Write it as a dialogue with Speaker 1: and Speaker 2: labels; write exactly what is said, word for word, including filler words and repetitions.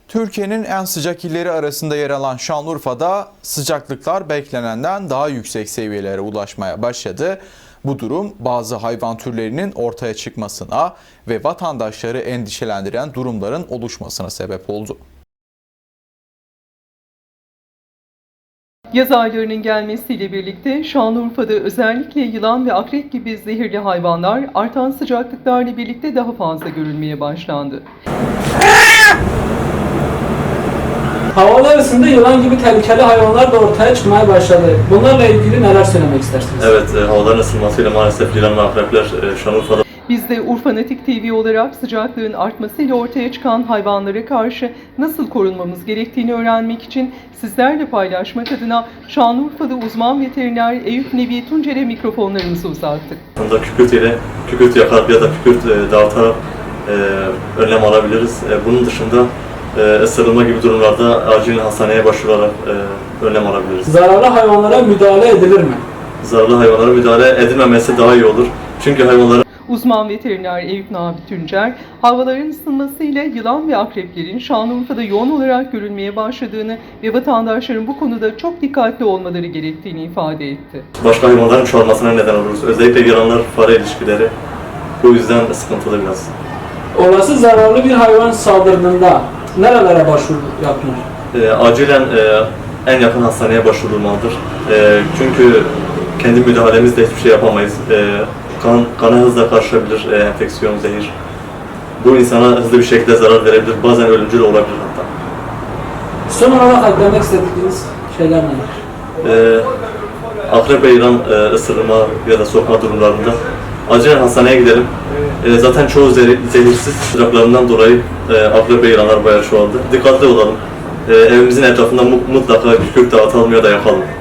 Speaker 1: Türkiye'nin en sıcak illeri arasında yer alan Şanlıurfa'da sıcaklıklar beklenenden daha yüksek seviyelere ulaşmaya başladı. Bu durum bazı hayvan türlerinin ortaya çıkmasına ve vatandaşları endişelendiren durumların oluşmasına sebep oldu.
Speaker 2: Yaz aylarının gelmesiyle birlikte Şanlıurfa'da özellikle yılan ve akrep gibi zehirli hayvanlar artan sıcaklıklarla birlikte daha fazla görülmeye başlandı.
Speaker 3: Havalar ısındı, yılan gibi tehlikeli hayvanlar da ortaya çıkmaya başladı. Bunlarla ilgili neler söylemek istersiniz?
Speaker 4: Evet, e, havaların ısınmasıyla maalesef yılan ve akrepler e, Şanlıurfa'da.
Speaker 2: Biz de Urfanatik T V olarak sıcaklığın artmasıyla ortaya çıkan hayvanlara karşı nasıl korunmamız gerektiğini öğrenmek için sizlerle paylaşmak adına Şanlıurfa'da uzman veteriner Eyüp Nevi Tuncer'e mikrofonlarımızı uzattık.
Speaker 4: Aslında kükürt ile kükürt yakarak ya da kükürt e, dağıtarak e, önlem alabiliriz. E, bunun dışında e, ısırılma gibi durumlarda acil hastaneye başvurarak e, önlem alabiliriz.
Speaker 3: Zararlı hayvanlara müdahale edilir mi?
Speaker 4: Zararlı hayvanlara müdahale edilmemesi daha iyi olur. Çünkü hayvanların
Speaker 2: Uzman veteriner Eyüp Nevi Tuncer, havaların ısınmasıyla yılan ve akreplerin Şanlıurfa'da yoğun olarak görülmeye başladığını ve vatandaşların bu konuda çok dikkatli olmaları gerektiğini ifade etti.
Speaker 4: başka hayvanların çoğalmasına neden oluruz. Özellikle yılanlar fare ilişkileri bu yüzden sıkıntılı biraz.
Speaker 3: Olası zararlı bir hayvan saldırdığında nerelere başvuru yapılır?
Speaker 4: E, acilen e, en yakın hastaneye başvurulmalıdır. E, çünkü kendi müdahalemizle hiçbir şey yapamayız. E, kan, kana hızla karışabilir, e, enfeksiyon, zehir. Bu insana hızlı bir şekilde zarar verebilir, bazen ölümcül olabilir hatta.
Speaker 3: Son olarak eklemek istediğiniz şeyler neler?
Speaker 4: E, akrep ve yılan e, ısırma ya da sokma durumlarında acilen hastaneye gidelim. E, zaten çoğu zehir, zehirsiz sıcaklarından dolayı e, akrep ve yılanlar bayağı çoğaldı. Dikkatli olalım. E, evimizin etrafında mutlaka kükürt dağıtalım ya da yakalım.